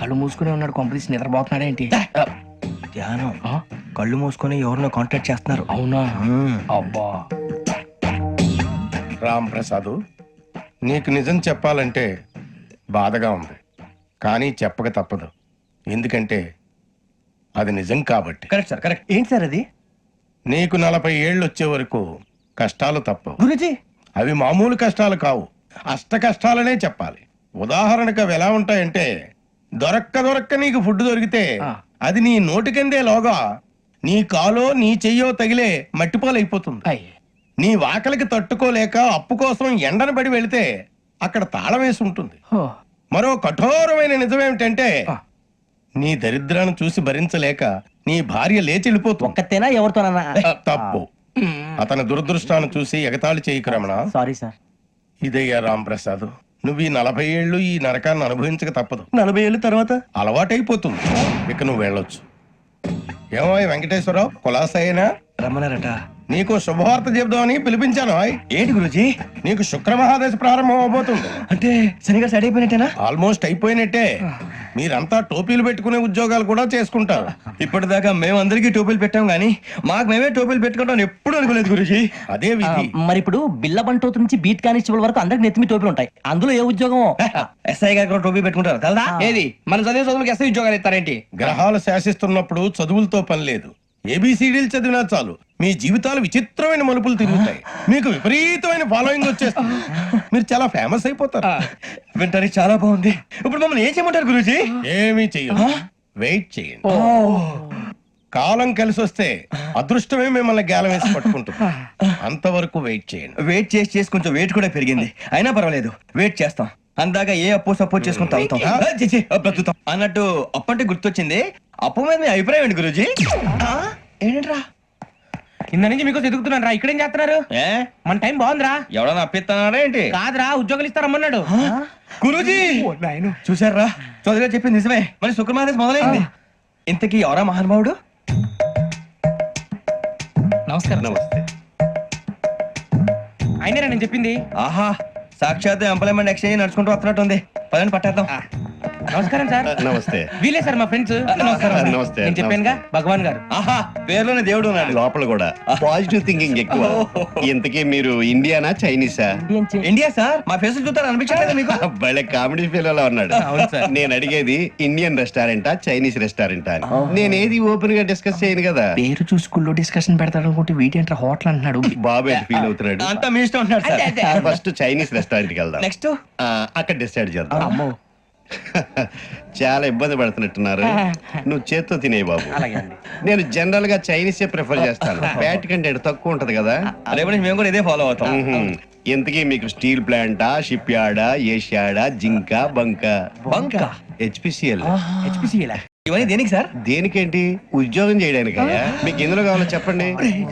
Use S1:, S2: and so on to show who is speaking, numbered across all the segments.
S1: కళ్ళు మూసుకునే ఉన్నాడు, కొంపదీసి నిద్రపోతున్నాడు ఏంటి?
S2: ధ్యానం. కళ్ళు మూసుకొని ఎవరినో కాంటాక్ట్ చేస్తున్నారు.
S1: అవునా? అబ్బా.
S3: రామ్ ప్రసాద్, నీకు నిజం చెప్పాలంటే బాధగా ఉంది, కానీ చెప్పక తప్పదు. ఎందుకంటే అది నిజం కాబట్టి.
S2: Correct sir, correct. ఏంటి సార్ అది?
S3: నీకు 40 ఏళ్ళు వచ్చే వరకు కష్టాలు తప్పవు
S2: గురుజీ.
S3: అవి మామూలు కష్టాలు కావు, అష్ట కష్టాలనే చెప్పాలి. ఉదాహరణకు అవి ఎలా ఉంటాయంటే, దొరక్క నీకు ఫుడ్ దొరికితే అది నీ నోటికందే లోగా నీ కాలో నీ చెయ్యో తగిలే మట్టిపాలైపోతుంది. నీ వాకలికి తట్టుకోలేక అప్పు కోసం ఎండను పడి వెళితే అక్కడ తాళం వేసి ఉంటుంది. మరో కఠోరమైన నిజమేమిటంటే, నీ దరిద్రాన్ని చూసి భరించలేక నీ భార్య లేచి వెళ్ళిపోతుంది.
S2: ఒక్కతేనా ఎవరితోనన్నా?
S3: తప్పు. అతని దురదృష్టాన్ని చూసి ఎగతాళి చేయకు రమణ.
S2: Sorry sir.
S3: ఇదయ్యా రాంప్రసాద్, నువ్వు ఈ 40 ఏళ్ళు ఈ నరకాన్ని అనుభవించక తప్పదు.
S2: 40 ఏళ్ళ తర్వాత
S3: అలవాటైపోతుంది. ఇక నువ్వు వెళ్ళొచ్చు. ఏమో వెంకటేశ్వరరావు, కులాసైనా
S2: రమ్మన్నారట.
S3: నీకు శుభవార్త చెబుదామని పిలిపించాను.
S2: ఏంటి గురుజీ?
S3: నీకు శుక్రమహాదశ ప్రారంభం అవబోతుంది.
S2: అంటే శనిగా సెట్ అయిపోయినట్టేనా?
S3: ఆల్మోస్ట్ అయిపోయినట్టే. మీరంతా టోపీలు పెట్టుకునే ఉద్యోగాలు కూడా చేసుకుంటారు.
S2: ఇప్పటిదాకా మేమందరికీ టోపీలు పెట్టాం గానీ మాకు మేమే టోపీలు పెట్టుకుంటాం ఎప్పుడు అనుకోలేదు గురుజీ.
S3: అదే విధి.
S4: మరి ఇప్పుడు బిల్ల బంటోతు నుంచి బీట్ కానిస్టేబుల్ వరకు అందరికి నెత్తిమి టోపీలు ఉంటాయి. అందులో ఏ ఉద్యోగం?
S2: ఎస్ఐ గారు కూడా టోపీ పెట్టుకుంటారు కదా?
S1: ఏది మన చదివే చదువులకు ఎస్ఐ ఉద్యోగాలు ఇస్తారేంటి?
S3: గ్రహాలు శాసిస్తున్నప్పుడు చదువులతో పని లేదు. ఏబిసిడీలు చదివినా చాలు మీ జీవితాలు విచిత్రమైన మలుపులు తిరుగుతాయి. మీకు విపరీతమైన ఫాలోయింగ్ వచ్చేస్తుంది. మీరు చాలా ఫేమస్ అయిపోతారు.
S2: వింటానికి చాలా బాగుంది. ఇప్పుడు మమ్మల్ని ఏం చేయమంటారు గురుజీ?
S3: ఏమీ చెయ్యదు, వెయిట్ చేయండి. కాలం కలిసి వస్తే అదృష్టమే మిమ్మల్ని గేలం వేసి పట్టుకుంటుంది. అంతవరకు వెయిట్ చేయండి.
S2: వెయిట్ చేసి కొంచెం వెయిట్ కూడా పెరిగింది. అయినా పర్వాలేదు, వెయిట్ చేస్తాం. అందాక ఏ అప్పు సపోర్ట్ చేసుకుని తాగుతాం. బ్రతుకుతాం అన్నట్టు అప్పు అంటే గుర్తొచ్చింది. అప్పు మీద మీ అభిప్రాయం ఏంటి గురుజీ? ఏంటరా
S1: కింద నుంచి మీకు ఎదుగుతున్నాను రా. ఇక్కడేం చేస్తున్నారు? మన టైం బాగుందిరా.
S2: ఎవడన్నా అప్పిస్తున్నారా ఏంటి?
S1: కాదురా, ఉద్యోగాలు ఇస్తారమ్మన్నాడు
S2: గురూజీ. చూసారా, చౌదరిగా చెప్పింది నిజమే. మరి శుక్రమాదేశ్ మొదలైంది. ఇంతకీ ఎవరా మహానుభావుడు?
S1: నమస్కారం.
S3: నమస్తే.
S1: అయినరా నేను చెప్పింది?
S2: ఆహా, సాక్షాత్ ఎంప్లాయ్మెంట్ ఎక్స్చేంజ్ నడుచుకుంటూ వస్తున్నట్టు ఉంది. పదండి పట్టేద్దాం.
S1: నమస్కారం సార్.
S3: నమస్తే.
S1: వీలే సార్ మా ఫ్రెండ్స్. నమస్కారం.
S3: నమస్తే.
S1: నేను చెప్పానుగా, భగవాన్ గారు.
S2: ఆహా, పేర్లోనే దేవుడు ఉన్నాడు.
S5: లోపల కూడా పాజిటివ్ థింకింగ్ ఎక్కువ. ఇంతకీ మీరు ఇండియానా చైనీసా?
S2: India sir. మా ఫేస్ చూస్తారు అనిపించలేదు మీకు?
S5: భలే కామెడీ ఫీల్ అలా ఉన్నాడు. నేను అడిగేది ఇండియన్ రెస్టారెంటా చైనీస్ రెస్టారెంటా అని. నేనేది ఓపెన్ గా డిస్కస్ చేయను కదా.
S1: పేరు చూసి స్కూల్లో డిస్కషన్ పెడతాడు అనుకుంటే వీటేంట్రా హోటల్ అంటున్నాడు.
S5: బాబు ఎట్ ఫీల్ అవుతున్నాడు.
S2: అంతా మీ ఇష్టం ఉంటున్నాడు సార్.
S5: ఫస్ట్ చైనీస్ రెస్టారెంట్ కి వెళ్దాం.
S2: నెక్స్ట్
S5: అక్కడ డిసైడ్ చేద్దాం. చాలా ఇబ్బంది పడుతున్నట్టున్నారు. నువ్వు చేత్తో తినే బాబు. నేను జనరల్ గా చైనీసే ప్రిఫర్ చేస్తాను. ఫ్యాట్ కంటెంట్ తక్కువ ఉంటది కదా.
S2: రేపు నుంచి మేము కూడా ఇదే ఫాలో అవుతాం.
S5: ఇంతకీ మీకు స్టీల్ ప్లాంటా, షిప్ యార్డా, ఏషియాడా, జింక, బంకా?
S2: బంకా?
S5: హెచ్పిసిఎల్.
S1: హెచ్పిసిఎల్
S2: ఇవన్నీ దేనికి సార్?
S5: దేనికేంటి? ఉద్యోగం చేయడానికి. మీకు ఎందులో కావాలో చెప్పండి.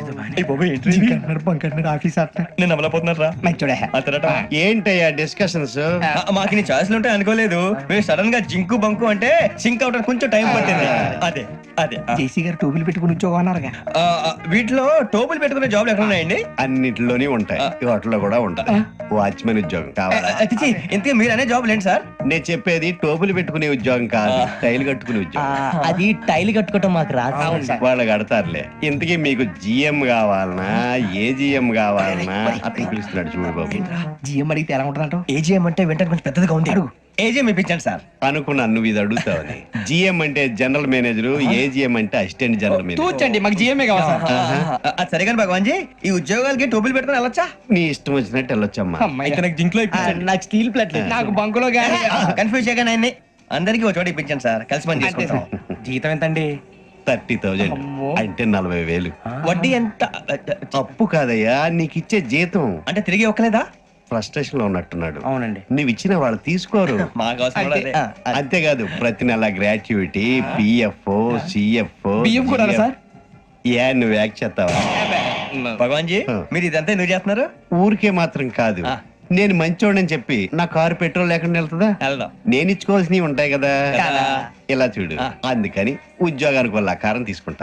S2: నేను అమలపోతున్నారా?
S5: ఏంటయ్యా డిస్కషన్స్?
S2: మాకు నీ ఛాయిస్లు ఉంటాయి అనుకోలేదు. మీరు సడన్ గా జింకు బంకు అంటే సింక్ అవడానికి కొంచెం టైం పట్టింది. అదే అదే
S1: జేసీ గారు టోపీలు పెట్టుకుని ఉద్యోగం అన్నారుగా.
S2: వీటిలో టోపులు పెట్టుకునే జాబ్లు ఎక్కడ ఉన్నాయండి?
S5: అన్నిటిలోనే ఉంటాయి. వాటిలో కూడా ఉంటాయి. వాచ్మెన్ ఉద్యోగం కావాలా?
S2: ఇంతకీ మీరు అనే జాబ్ ఏంటి సార్?
S5: నేను చెప్పేది టోపులు పెట్టుకునే ఉద్యోగం కాదు, టైల్ కట్టుకునే ఉద్యోగం.
S4: అది టైల్ కట్టుకోవటం మాకు రాదు.
S5: వాళ్ళు కడతారులే. ఇంతకీ మీకు జిఎం కావాలనా, ఏజిఎం కావాలనా? అతను పిలుస్తున్నాడు చూడు బాబు.
S1: జిఎం అడిగితే ఎలా ఉంటుందంట?
S2: ఏజీఎం అంటే వెంటనే కొంచెం పెద్దదిగా ఉంది. ఏజీఎం ఇప్పించండి సార్.
S5: అనుకున్నాను నువ్వు ఇది అడుగుతావని. జిఎం అంటే జనరల్ మేనేజర్, ఏజిఎం అంటే అసిస్టెంట్ జనరల్ మేనేజర్.
S1: తూచండి, మాకు జిఎంఏ కావాలి సార్.
S2: అది సరే కానీ భగవాన్ జీ, ఈ ఉద్యోగాలకి టోపులు పెట్టుకుని వెళ్ళొచ్చా?
S5: నీ ఇష్టం వచ్చినట్టు వెళ్ళొచ్చమ్మా.
S2: అయితే నాకు జింక్ లో
S4: నాకు స్టీల్ ప్లేట్
S1: నాకు బంకులో గానీ.
S2: కన్ఫ్యూజ్ చేయగానే ఆయన్ని అందరికీ ఒక చోట ఇప్పించండి సార్. కలిసి పని చేసుకుంటాం.
S1: జీతం ఎంతండి?
S5: 30,000 అంటే 40,000.
S2: వడ్డీ ఎంత?
S5: అప్పు కాదయ్యా, నీకు ఇచ్చే జీతం.
S2: అంటే తిరిగి ఒక్కలేదా?
S5: ఫ్రస్ట్రేషన్ లో ఉన్నట్టున్నాడు.
S1: అవునండి.
S5: నువ్వు ఇచ్చిన వాళ్ళు తీసుకోరు.
S2: మాకు అవసరం కూడా అదే.
S5: అంతేకాదు ప్రతి నెల గ్రాట్యుటీ, పిఎఫ్, సిఎఫ్.
S1: బియ్యం కూడా సార్?
S5: ఏ నువ్వు యాక్ చేస్తావా?
S2: భగవాన్ జీ, మీరు ఇదంతా ఎందుకు చేస్తున్నారు?
S5: ఊరికే మాత్రం కాదు, నేను మంచోడని చెప్పి నా కారు పెట్రోల్ లేకుండా వెళ్తుందా?
S2: వెళ్దాం.
S5: నేను ఇచ్చుకోవాల్సినవి ఉంటాయి కదా.
S2: కదా.
S5: ఇలా చూడు, అందుకని ఉద్యోగానికి వాళ్ళ ఆకారం తీసుకుంటా.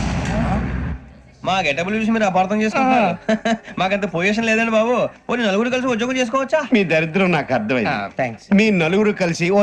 S2: మా గెటబుల్ చూసి మీరు అపార్థం చేసుకుంటున్నారు. మాకంత పొజిషన్ లేదండి బాబు. పోనీ నలుగురు కలిసి ఉద్యోగం చేసుకోవచ్చా?
S5: మీ దరిద్రం నాకు అర్థమైంది.
S1: థ్యాంక్స్.
S5: మీ నలుగురు కలిసి